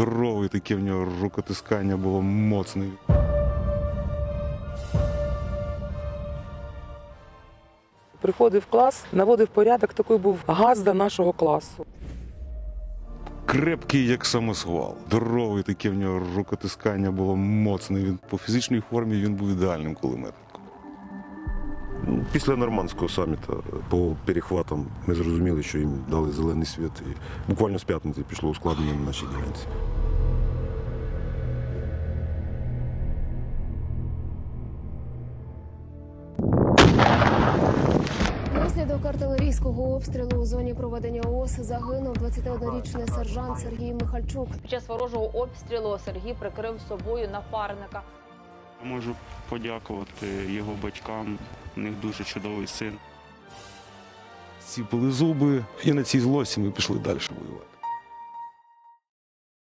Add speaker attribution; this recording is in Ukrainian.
Speaker 1: Здоровий таке в нього рукотискання було моцне.
Speaker 2: Приходив в клас, наводив порядок, такий був газда нашого класу.
Speaker 1: Крепкий, як самосвал. Здоровий таке в нього рукотискання було моцне. Він по фізичній формі він був ідеальним кулеметником.
Speaker 3: Після нормандського саміту по перехватам ми зрозуміли, що їм дали зелений світ. І буквально з п'ятниці пішло ускладнення на нашій ділянці.
Speaker 4: Внаслідок артилерійського обстрілу у зоні проведення ООС загинув 21-річний сержант Сергій Михальчук.
Speaker 5: Під час ворожого обстрілу Сергій прикрив собою напарника.
Speaker 6: Можу подякувати його батькам, у них дуже чудовий син.
Speaker 1: Зціпили зуби, і на цій злості ми пішли далі воювати.